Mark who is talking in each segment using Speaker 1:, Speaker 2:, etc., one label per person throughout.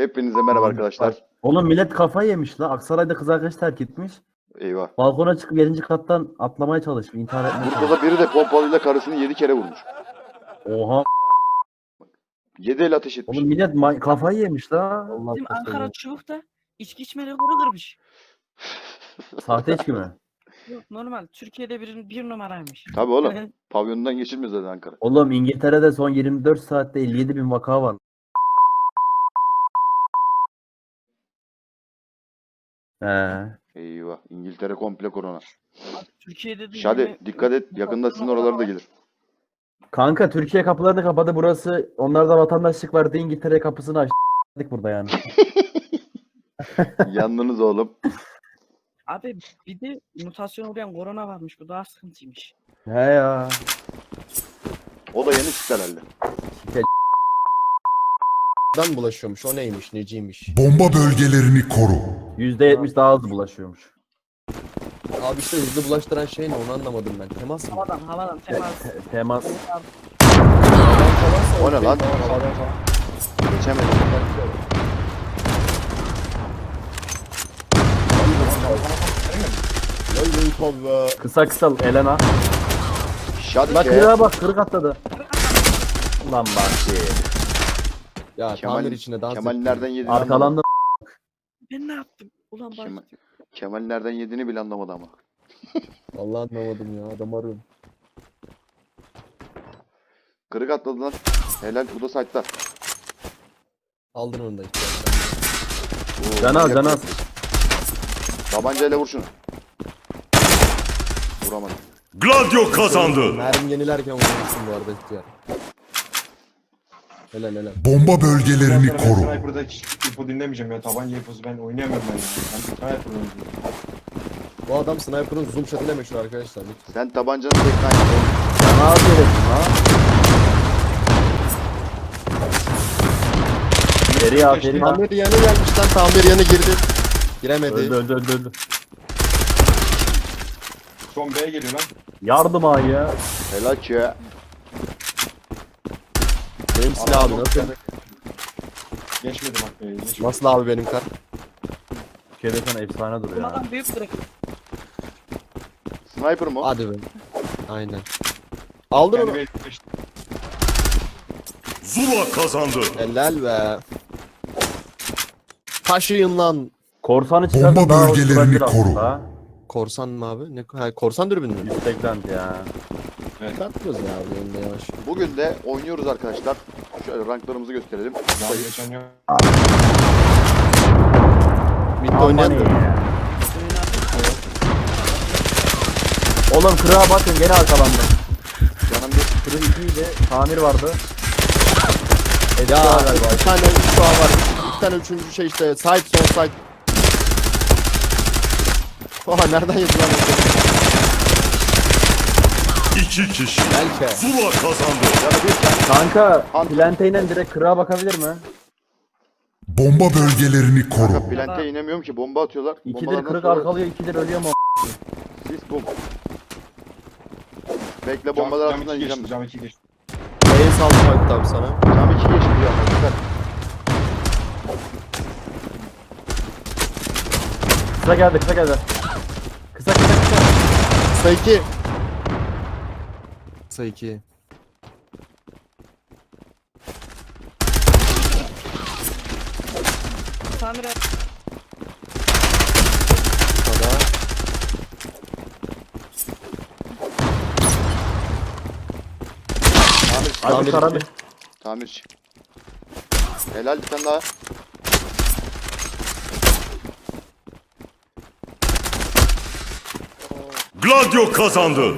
Speaker 1: Hepinize merhaba arkadaşlar.
Speaker 2: Oğlum millet kafayı yemiş la. Aksaray'da kız arkadaş terk etmiş.
Speaker 1: Eyvah.
Speaker 2: Balkona çıkıp 7. kattan atlamaya çalışmış. İntihar etmeye
Speaker 1: Burada
Speaker 2: çalışmış.
Speaker 1: da biri de pompalıyla karısını 7 kere vurmuş.
Speaker 2: Oha.
Speaker 1: 7 el ateş etmiş.
Speaker 2: Oğlum millet kafayı yemiş la. Allah
Speaker 3: Bizim
Speaker 2: kafayı
Speaker 3: Ankara
Speaker 2: yemiş.
Speaker 3: Çubuk'ta içki içme rekoru kırmış.
Speaker 2: Sahte içki mi?
Speaker 3: Yok normal. Türkiye'de bir numaraymış.
Speaker 1: Tabii oğlum. Pavyondan geçilmez zaten Ankara.
Speaker 2: Oğlum İngiltere'de son 24 saatte 57 bin vaka var.
Speaker 1: Eyvah. İngiltere komple korona.
Speaker 3: Türkiye'de de
Speaker 1: Şadi
Speaker 3: yine-
Speaker 1: dikkat et. Yakında sizin oralara da gelir.
Speaker 2: Kanka Türkiye kapılarını kapadı burası. Onlarda vatandaşlık vardı. İngiltere kapısını açtık burada yani.
Speaker 1: Yandınız oğlum.
Speaker 3: Abi bir de mutasyon uğrayan korona varmış. Bu daha sıkıntıymış.
Speaker 2: He ya.
Speaker 1: O da yeni çıktı herhalde.
Speaker 4: Dan bulaşıyormuş. O neymiş, neciymiş.
Speaker 5: Bomba bölgelerini koru.
Speaker 2: %70 daha hızlı bulaşıyormuş.
Speaker 4: Abi işte hızlı bulaştıran şey ne onu anlamadım ben. Temas mı?
Speaker 3: Havadan temas.
Speaker 2: Temas.
Speaker 1: O ne lan? Geçemedim.
Speaker 2: Kısa kısa Elena.
Speaker 1: Şadi
Speaker 2: Bak
Speaker 1: ke.
Speaker 2: kırığa bak kırık atladı. Ulan bak
Speaker 4: Ya
Speaker 1: Kemal,
Speaker 4: tamir içine dans
Speaker 1: Kemal
Speaker 4: ettim.
Speaker 1: nereden yediğini anlamadı.
Speaker 2: arkalandı.
Speaker 3: Ben ne yaptım? Ulan bak.
Speaker 1: Kemal nereden yediğini bile anlamadı ama.
Speaker 4: Vallahi anlamadım ya. Adam arıyorum.
Speaker 1: Kırık atladı lan. Helal. Bu da site'da.
Speaker 4: Aldın onu da işte.
Speaker 1: Oo,
Speaker 2: Can al
Speaker 1: manyak.
Speaker 2: can al.
Speaker 1: Tabancayla vur şunu. Vuramadım.
Speaker 6: Gladio kazandı.
Speaker 4: Mermi yenilerken vurmuşsun bu arada ihtiyar. Helal helal.
Speaker 5: Bomba bölgelerini
Speaker 7: Ben
Speaker 5: koru.
Speaker 7: Sniper'da hiç info dinlemeyeceğim ya. Tabanca infosu ben oynayamam ben ya. Ben Sniper oynuyorum.
Speaker 4: Bu adam sniper'ın zoom shot'ıyla meşhur arkadaşlar. Lütfen.
Speaker 1: Sen tabancanı tekrar yap.
Speaker 2: Can al diyorsun ha. Seri aferin ha.
Speaker 4: Tamir yanı gelmiş lan. Tamir yanı girdi. Giremedi.
Speaker 2: Öldü.
Speaker 7: Son B'ye geliyor lan.
Speaker 2: Yardım ay ya.
Speaker 1: Helal ki.
Speaker 4: Benim silah abi nasıl?
Speaker 7: Geçmedi bak B'ye. Geçmedi.
Speaker 4: Nasıl abi benim kar?
Speaker 2: Türkiye'de sana efsane duruyor ya.
Speaker 3: Ulan büyük kırık.
Speaker 1: Sniper mı? o?
Speaker 4: Hadi be. Aynen. Aldın
Speaker 7: Kendi
Speaker 4: onu.
Speaker 7: B'ye geçti.
Speaker 6: Zula kazandı.
Speaker 4: Helal be. Taşıyın lan.
Speaker 2: Korsanı çıkarsa
Speaker 5: Bomba
Speaker 2: daha hoş
Speaker 5: bölgelerini
Speaker 2: olabilir
Speaker 5: koru.
Speaker 2: aslında.
Speaker 4: Korsan mı abi? Ne? Ha, korsan dürbün mü?
Speaker 2: Yüksekten ya.
Speaker 4: Takmıyoruz ya abi önünde yavaş.
Speaker 1: Bugün de oynuyoruz arkadaşlar. Şöyle ranklarımızı gösterelim.
Speaker 7: Daha geçen yok.
Speaker 4: Mid'de oynayan da.
Speaker 2: ya. Oğlum kırığa bakın gene arkalandı.
Speaker 1: Canım bir
Speaker 2: Kırık 2 ile tamir vardı.
Speaker 4: Ya
Speaker 2: galiba.
Speaker 4: bir tane üç daha var. Bir tane üçüncü şey işte. Side son side. Oha nereden yedi lan?
Speaker 6: İki kişi.
Speaker 4: Belki.
Speaker 6: Zula kazandı.
Speaker 1: canı bir
Speaker 2: Kanka
Speaker 1: Ant-
Speaker 2: planteyle direkt kırığa bakabilir mi?
Speaker 5: Bomba bölgelerini koru.
Speaker 1: kanka plante inemiyorum ki bomba atıyorlar.
Speaker 2: 2'dir
Speaker 1: Bombalardan
Speaker 2: kırık
Speaker 1: sonra
Speaker 2: arkalıyor 2'dir ölüyor mu?
Speaker 1: sis bum. Bekle bombalar
Speaker 7: Cam
Speaker 1: altından
Speaker 7: 2
Speaker 1: yiyeceğim.
Speaker 7: geçti. Cam 2 geçti.
Speaker 4: B'yi saldım Hakkı abi sana.
Speaker 1: Cam 2 geçti ya. Güzel.
Speaker 2: Kısa geldi. Kısa.
Speaker 4: Kısa 2. Kısa 2.
Speaker 3: Tamir et.
Speaker 4: Kısa
Speaker 1: Tamir.
Speaker 2: Abi
Speaker 4: Tamir
Speaker 2: karanlık.
Speaker 4: iki.
Speaker 1: Tamirci. Helal bir tane daha.
Speaker 6: Gladio kazandı.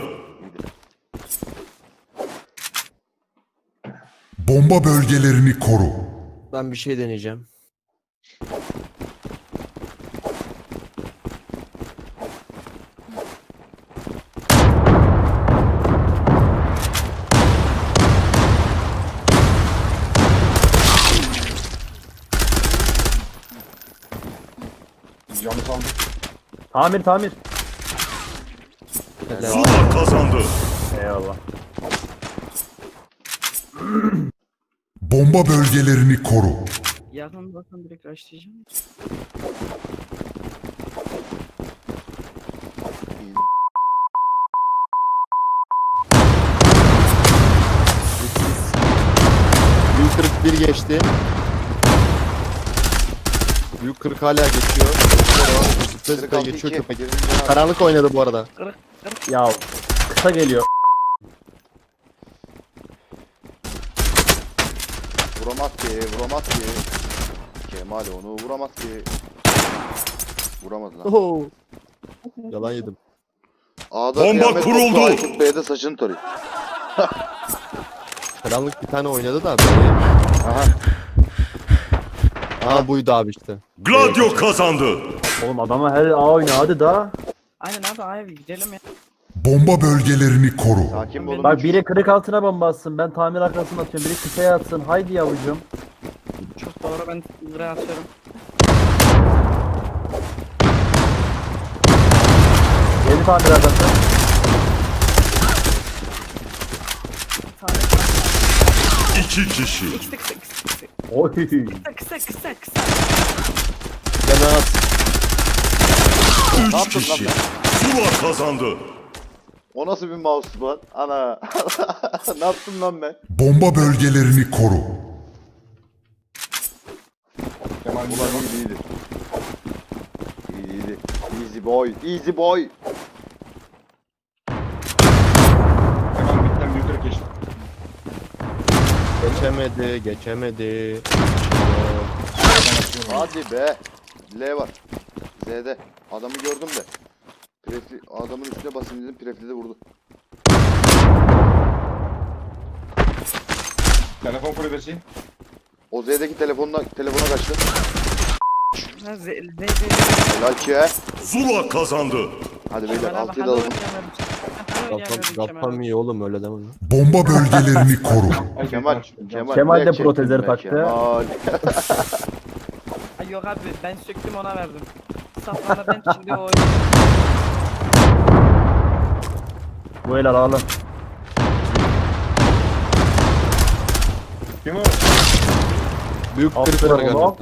Speaker 5: Bomba bölgelerini koru.
Speaker 4: Ben bir şey deneyeceğim.
Speaker 7: Camı saldım.
Speaker 2: Tamir.
Speaker 4: Helal.
Speaker 6: Zula kazandı.
Speaker 2: Eyvallah.
Speaker 5: Bomba bölgelerini koru.
Speaker 3: Yakın bakın direkt başlayacağım.
Speaker 1: İyi.
Speaker 4: Büyük kırık bir geçti. Büyük kırık hala geçiyor. Zıpla zıpla
Speaker 1: 46
Speaker 4: geçiyor
Speaker 1: 2.
Speaker 4: köpek. Karanlık oynadı bu arada.
Speaker 2: Ya kısa geliyor.
Speaker 1: Vuramaz ki, vuramaz ki. Kemal onu vuramaz ki. Vuramadı lan.
Speaker 4: Oho. Yalan yedim.
Speaker 1: A'da
Speaker 6: Bomba
Speaker 1: kıyamet
Speaker 6: kuruldu.
Speaker 1: koptu, Aykut Bey'de saçını tarıyor.
Speaker 4: Karanlık bir tane oynadı da böyle.
Speaker 1: Aha.
Speaker 4: Aha buydu abi işte.
Speaker 6: Gladio kazandı.
Speaker 2: Oğlum adama her A oyna hadi da.
Speaker 3: Aynen abi abi gidelim ya.
Speaker 5: Bomba bölgelerini koru.
Speaker 1: Sakin olun.
Speaker 2: Bak biri kırık altına bomba atsın. Ben tamir arkasına atıyorum. Biri kısaya atsın. Haydi yavrucuğum.
Speaker 3: Çok doğru ben lira atıyorum.
Speaker 2: Yeni tamir arkası.
Speaker 3: Tamam.
Speaker 6: 2 kişi.
Speaker 3: Kısa kısa kısa kısa.
Speaker 2: Oy.
Speaker 3: Kısa kısa kısa.
Speaker 4: Yana at.
Speaker 6: 3
Speaker 1: yaptın lan
Speaker 6: kişi. Zula kazandı.
Speaker 1: O nasıl bir mouse lan? Ana. Ne yaptım lan ben?
Speaker 5: Bomba bölgelerini koru.
Speaker 7: Kemal
Speaker 1: Ulan
Speaker 7: Ulan
Speaker 1: iyiydi. İyiydi. Easy boy. Easy boy.
Speaker 7: Kemal bitten büyük kırık geçti.
Speaker 4: Geçemedi, geçemedi.
Speaker 1: Hadi be. L var. Z'de. Adamı gördüm de. Prefli, adamın üstüne basayım dedim. Prefli de vurdu.
Speaker 7: Telefon kulübesi.
Speaker 1: O Z'deki telefona kaçtı.
Speaker 3: Ha, Z.
Speaker 1: Helal ki he.
Speaker 6: Zula kazandı.
Speaker 1: Hadi beyler 6'yı da alalım.
Speaker 4: Kafam iyi oğlum öyle deme lan.
Speaker 5: Bomba bölgelerini koru.
Speaker 7: Ay,
Speaker 1: Kemal.
Speaker 2: Kemal de
Speaker 1: direkt
Speaker 2: protezleri
Speaker 1: çektim be,
Speaker 2: taktı.
Speaker 1: Kemal.
Speaker 3: Ay yok abi ben söktüm ona verdim. Safranla ben şimdi o
Speaker 2: Bu el alalım.
Speaker 7: Kim o?
Speaker 4: Büyük kırık var
Speaker 2: Aferin
Speaker 4: galiba.
Speaker 2: oğlum.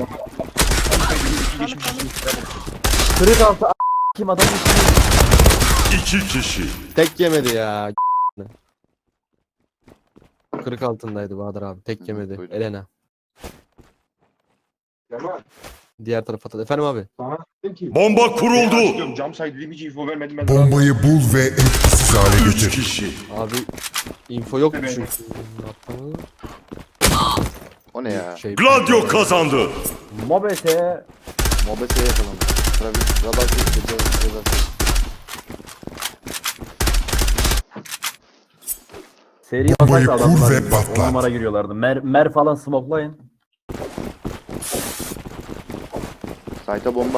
Speaker 2: Kırık altı kim adam işte.
Speaker 6: 2 kişi.
Speaker 4: Tek yemedi ya. Kırık altındaydı Bahadır abi. Tek yemedi.
Speaker 1: duydum.
Speaker 4: Elena.
Speaker 7: Kemal.
Speaker 4: Diğer tarafa da. Efendim abi.
Speaker 7: Sana dedim ki.
Speaker 6: Bomba kuruldu.
Speaker 7: Diyorum cam side dedim hiç info vermedim ben.
Speaker 5: Bombayı bul ve etkisiz hale
Speaker 6: 3
Speaker 5: getir.
Speaker 6: kişi.
Speaker 4: Abi info yok
Speaker 7: Evet.
Speaker 4: çünkü. Atlamadı.
Speaker 1: O ne ya?
Speaker 4: Şey,
Speaker 6: Gladio kazandı.
Speaker 2: Mobese.
Speaker 1: Mobese'ye yapalım. Travis, radar sesi, radar sesi.
Speaker 2: Seri
Speaker 5: Bombayı
Speaker 2: basak da
Speaker 5: kur
Speaker 2: adamlar.
Speaker 5: ve
Speaker 2: On
Speaker 5: patlat.
Speaker 2: numara giriyorlardı. Mer falan smoklayın.
Speaker 1: Site'a bomba.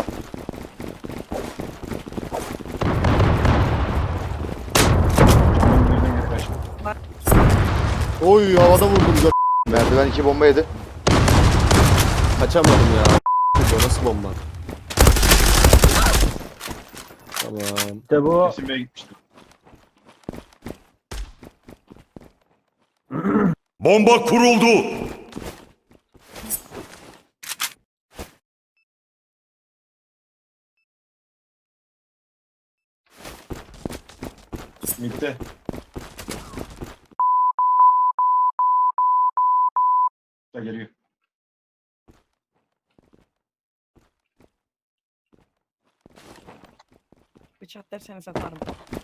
Speaker 4: Oy havada vurdum.
Speaker 1: Merdiven 2 bomba yedi.
Speaker 4: Kaçamadım ya. O nasıl bomba? Tamam.
Speaker 2: İşte bu.
Speaker 7: Kesin Bey'e gitmiştim.
Speaker 6: Bomba kuruldu.
Speaker 7: Mid'de. Da geliyor.
Speaker 3: bıçak derseniz satarım.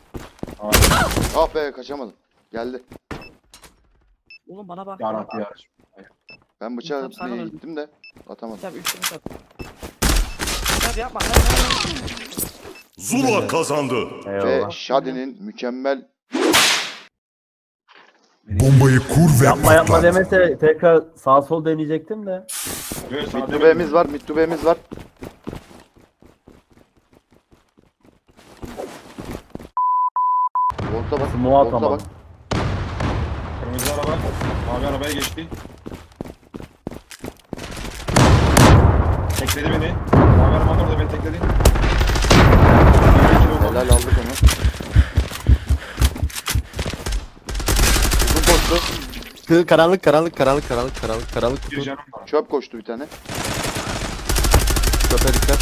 Speaker 1: Ah be kaçamadım. Geldi.
Speaker 3: Oğlum bana bak.
Speaker 7: Yarabbi ya.
Speaker 1: Ben bıçağı
Speaker 3: Tamam, sana
Speaker 1: atmaya
Speaker 3: verdim.
Speaker 1: gittim de atamadım.
Speaker 3: Tabii üçünü sat. Tabii yapma. Hayır.
Speaker 6: Zula kazandı.
Speaker 1: Ve
Speaker 2: Eyvallah.
Speaker 1: Shadi'nin mükemmel
Speaker 5: Bombayı kur ve
Speaker 2: Yapma yapma
Speaker 5: patlat.
Speaker 2: demese tekrar sağ sol deneyecektim de.
Speaker 7: Böyle sağ
Speaker 1: Middube'miz var, Middube'miz var. Volta bak,
Speaker 2: Smoke
Speaker 1: volta bak.
Speaker 2: atamadım.
Speaker 7: Kırmızı araba. Mavi arabaya geçti. Tekledi beni. Mavi araba orada beni tekledi.
Speaker 1: Helal aldık onu. Uzun postu.
Speaker 4: Karanlık karanlık
Speaker 7: Bir
Speaker 4: kutu.
Speaker 7: canım var.
Speaker 1: Çöp koştu bir tane.
Speaker 4: Köpe dikkat.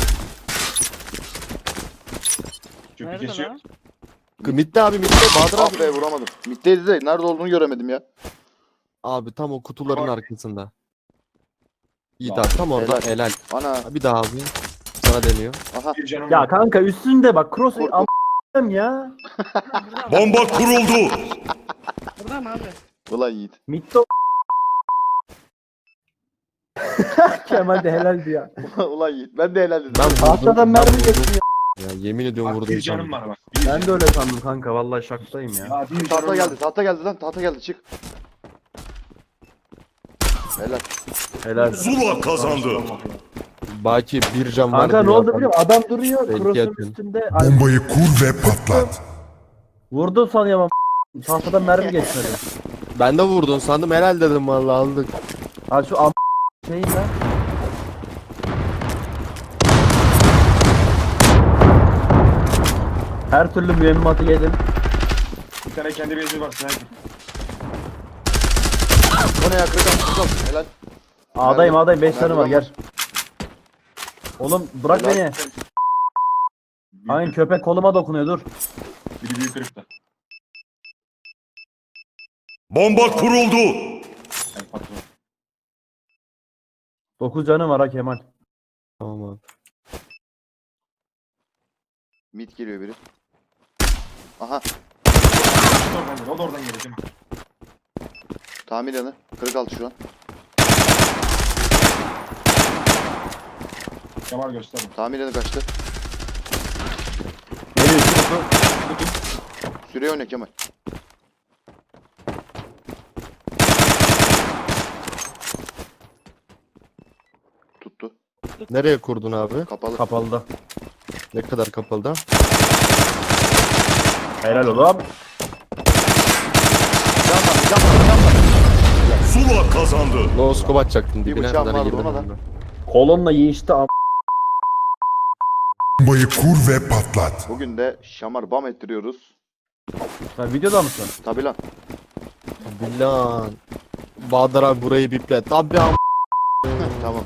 Speaker 7: Çöpü
Speaker 3: Nerede
Speaker 7: kesiyor.
Speaker 3: lan?
Speaker 4: Mitte abi mitte. Bahadır
Speaker 1: Ah
Speaker 4: abi.
Speaker 1: be vuramadım. Mitteydi de nerede olduğunu göremedim ya.
Speaker 4: Abi tam o kutuların arkasında. Yiğit
Speaker 7: Tamam.
Speaker 4: abi tam orada.
Speaker 1: Helal.
Speaker 4: Helal.
Speaker 1: Ana.
Speaker 4: Bir daha abi. Sana deniyor.
Speaker 1: Aha.
Speaker 7: Bir canım
Speaker 2: Ya
Speaker 7: var.
Speaker 2: kanka üstünde bak cross
Speaker 1: Kur-
Speaker 2: am ya.
Speaker 3: Burada mı?
Speaker 6: Bomba kuruldu.
Speaker 3: Burada mı abi?
Speaker 1: Ulan Yiğit.
Speaker 2: Mitto. Kemal de helaldi ya.
Speaker 1: Ulan Yiğit. Ben de helal dedim.
Speaker 4: Ben vurdum.
Speaker 2: Tahtadan mermi geçmiyor.
Speaker 4: Ya yemin ediyorum
Speaker 7: Bak,
Speaker 4: vurdum.
Speaker 7: bir canım var bak. Bir
Speaker 2: Ben
Speaker 7: canım.
Speaker 2: de öyle sandım kanka. Vallahi şaktayım ya.
Speaker 7: Ya bir
Speaker 1: Tahta
Speaker 7: canım
Speaker 1: geldi.
Speaker 7: var.
Speaker 1: Tahta geldi lan. Tahta geldi. Çık. Helal.
Speaker 2: Helal.
Speaker 6: Zula kazandı.
Speaker 7: Allah ya.
Speaker 4: Baki bir can var.
Speaker 2: Kanka ne
Speaker 4: diyor
Speaker 2: oldu
Speaker 4: adam.
Speaker 2: biliyor musun? Adam duruyor.
Speaker 4: Belki
Speaker 2: Cross'un
Speaker 4: yakın.
Speaker 2: üstünde. Ay,
Speaker 5: Bombayı kur ve patlat.
Speaker 2: vurdu sanıyorum ama tahtadan mermi geçmedi.
Speaker 4: Ben de vurdun sandım helal dedim vallahi aldık.
Speaker 2: Ha şu am şeyin lan. Her türlü mühimmatı yedim.
Speaker 7: Bir tane kendi bezi var. Sniper.
Speaker 1: O ne ya? Kırık. Helal.
Speaker 2: A'dayım 5 tane var
Speaker 1: Merdiven
Speaker 2: gel. Oğlum bırak
Speaker 1: Helal.
Speaker 2: beni. Aynen köpek koluma dokunuyor dur.
Speaker 7: Biri büyük kırıkta.
Speaker 6: Bomba kuruldu.
Speaker 7: Yani patron.
Speaker 2: 9 canım var ha Kemal.
Speaker 4: Tamam abi.
Speaker 1: Mid geliyor biri. Aha.
Speaker 7: O da oradan geliyor değil mi?
Speaker 1: Tamir yanı. Kırık altı şu an.
Speaker 7: Kemal göster.
Speaker 1: Tamir yanı kaçtı.
Speaker 2: Geliyor iki kutu.
Speaker 1: Süreye oyna Kemal. Tuttu.
Speaker 4: Nereye kurdun abi?
Speaker 1: Kapalı.
Speaker 2: Kapalıda.
Speaker 4: Ne kadar kapalı da?
Speaker 2: Helal oğlum.
Speaker 6: Zula kazandı.
Speaker 4: No scope atacaktın
Speaker 1: Bir
Speaker 4: dibine
Speaker 1: bıçağım
Speaker 4: kadar
Speaker 1: vardı,
Speaker 4: girdin.
Speaker 1: ona da.
Speaker 4: önüne.
Speaker 2: Kolonla yiyişti am.
Speaker 5: Bombayı kur ve patlat.
Speaker 1: Bugün de şamar bam ettiriyoruz.
Speaker 2: Sen videoda mısın?
Speaker 1: Tabi lan.
Speaker 4: Bilan. Bahadır abi burayı biple. Tabi am.
Speaker 1: Tamam.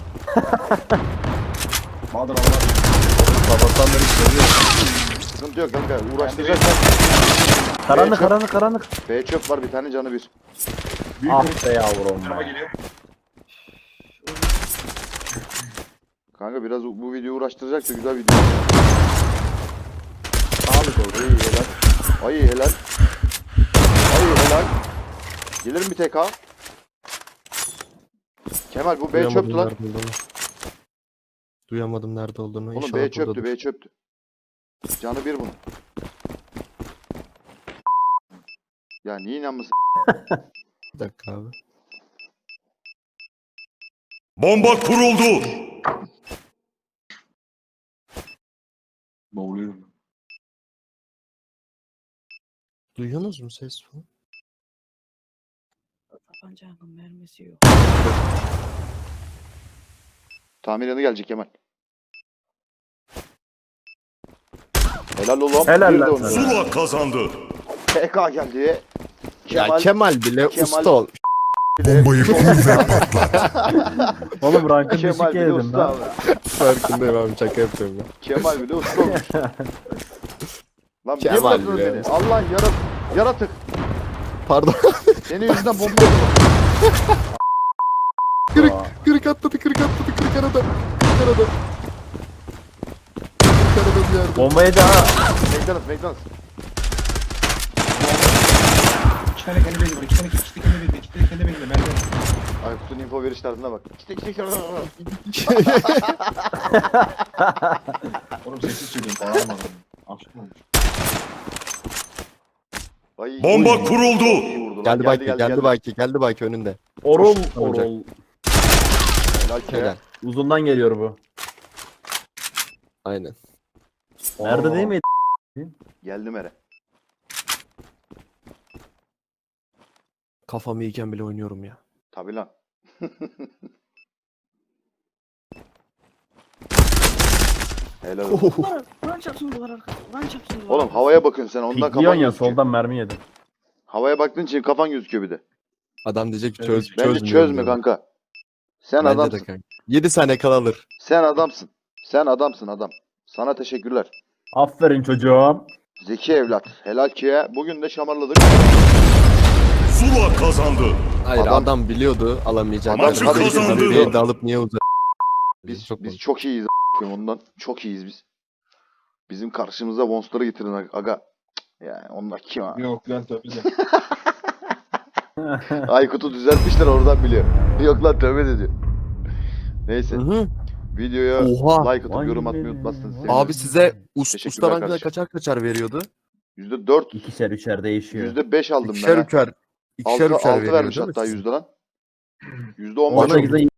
Speaker 7: Bahadır Allah.
Speaker 4: Babatanları seviyor.
Speaker 1: Sıkıntı yok kanka. Uğraştıracaklar.
Speaker 2: Karanlık
Speaker 1: çöp.
Speaker 2: karanlık.
Speaker 1: B çöp var bir tane canı bir.
Speaker 7: Büyük
Speaker 2: Ah
Speaker 7: kırık.
Speaker 2: be yavrum
Speaker 7: Tarafa
Speaker 2: be.
Speaker 7: geliyor.
Speaker 1: Kanka biraz bu videoyu uğraştıracak da güzel video. Sağlık oldu. İyi helal. Ay helal. Ay helal. Gelir mi TK? Kemal bu B
Speaker 4: Duyamadım
Speaker 1: çöptü lan.
Speaker 4: nerede olduğunu. Duyamadım nerede olduğunu.
Speaker 1: Oğlum
Speaker 4: İnşallah
Speaker 1: B çöptü
Speaker 4: buradadır.
Speaker 1: B çöptü. Canı bir bunun. Ya niye inanmasın?
Speaker 4: Bir dakika abi.
Speaker 6: Bomba kuruldu.
Speaker 7: Boğuluyorum.
Speaker 4: Duyuyorsunuz mu ses?
Speaker 3: Tabancanın mermisi yok.
Speaker 1: Tamir yanı gelecek Kemal. Helal oğlum.
Speaker 2: Helal
Speaker 1: Bir de
Speaker 2: lan
Speaker 1: onu.
Speaker 2: sana.
Speaker 6: Zula kazandı.
Speaker 1: TK geldi.
Speaker 4: Ya Kemal bile
Speaker 1: Kemal-
Speaker 4: usta ol.
Speaker 5: Bombayı kur ve patlat.
Speaker 2: Oğlum rankın
Speaker 1: Kemal
Speaker 2: düşük
Speaker 1: bile
Speaker 2: yedim
Speaker 1: usta
Speaker 2: lan.
Speaker 1: abi.
Speaker 4: Farkındayım abi şaka yapıyorum ya.
Speaker 1: Kemal bile usta olmuş. Lan niye
Speaker 4: Kemal
Speaker 1: bırakıyorsun
Speaker 4: bile
Speaker 1: beni?
Speaker 4: usta.
Speaker 1: Allah yaratık.
Speaker 4: Pardon.
Speaker 1: Senin yüzünden bomba yedim.
Speaker 4: Kırık atladı kırık arada. Kırık arada bir yerde.
Speaker 2: Bomba yedi ha.
Speaker 1: McDonald's.
Speaker 7: İki tane kendi bezi var. İki tane kendi bezi. İki tane kendi bezi. Merdiven.
Speaker 1: Aykut'un info veriş tarzına bak. İşte.
Speaker 7: Oğlum sessiz söylüyorum. Bağırmadım. Absürt olmuş.
Speaker 1: Ay,
Speaker 6: Bomba
Speaker 1: oy.
Speaker 6: kuruldu.
Speaker 1: İyi vurdu lan.
Speaker 4: Geldi Baki önünde.
Speaker 2: Orul
Speaker 4: Olacak.
Speaker 2: orul.
Speaker 1: Helal ki.
Speaker 4: Helal.
Speaker 2: Uzundan geliyor bu.
Speaker 4: Aynen.
Speaker 2: Nerede değil miydi?
Speaker 1: Geldim ere.
Speaker 4: Kafam iyiyken bile oynuyorum ya.
Speaker 1: Tabi lan. Helal olsun.
Speaker 3: Lan çarpsın duvar arkası. Lan çarpsın duvar
Speaker 1: Oğlum
Speaker 3: arkası.
Speaker 1: havaya bakıyorsun sen ondan kafan
Speaker 2: Pikliyorsun ya
Speaker 1: gözüküyor.
Speaker 2: soldan mermi yedin.
Speaker 1: Havaya baktığın için kafan gözüküyor bir de.
Speaker 4: Adam diyecek ki
Speaker 7: Evet,
Speaker 4: çözmüyorum
Speaker 1: Bence çözme
Speaker 4: diyor.
Speaker 1: kanka. Sen
Speaker 4: Bence de
Speaker 1: adamsın.
Speaker 4: kanka. 7 saniye kala alır.
Speaker 1: Sen adamsın. Sen adamsın adam. Sana teşekkürler.
Speaker 2: Aferin çocuğum.
Speaker 1: Zeki evlat. Helal ki ya. Bugün de şamarladık.
Speaker 6: Zula kazandı.
Speaker 4: Hayır
Speaker 1: Adam-
Speaker 4: adam biliyordu alamayacağını.
Speaker 1: Maçı
Speaker 4: Adam dedi ki,
Speaker 6: kazandı.
Speaker 4: "Tabii de alıp niye uzak?
Speaker 1: Biz
Speaker 4: Çok
Speaker 1: biz
Speaker 4: komik.
Speaker 1: çok iyiyiz a**ayım ondan. Çok iyiyiz biz. Bizim karşımıza Monster'ı getirin aga. Yani onlar kim ha?
Speaker 7: Yok lan tabii de.
Speaker 1: Aykut'u düzeltmişler oradan biliyor. Yok lan tövbe de diyor. Neyse.
Speaker 4: Hı hı.
Speaker 1: Videoya
Speaker 4: Oha.
Speaker 1: like atıp yorum atmayı unutmazsınız.
Speaker 4: Abi size
Speaker 1: Teşekkürler
Speaker 4: usta rankında
Speaker 1: kardeşim.
Speaker 4: kaçar veriyordu?
Speaker 1: %4,
Speaker 2: İkişer üçer değişiyor.
Speaker 1: %5 aldım
Speaker 4: İkişer
Speaker 1: ben.
Speaker 4: üçer. İkişer
Speaker 1: 6
Speaker 4: üçer veriyor
Speaker 1: vermiş
Speaker 4: değil mi
Speaker 1: hatta
Speaker 4: size?
Speaker 1: yüzde lan. %15
Speaker 4: Bana-
Speaker 1: oldu.
Speaker 2: 18'de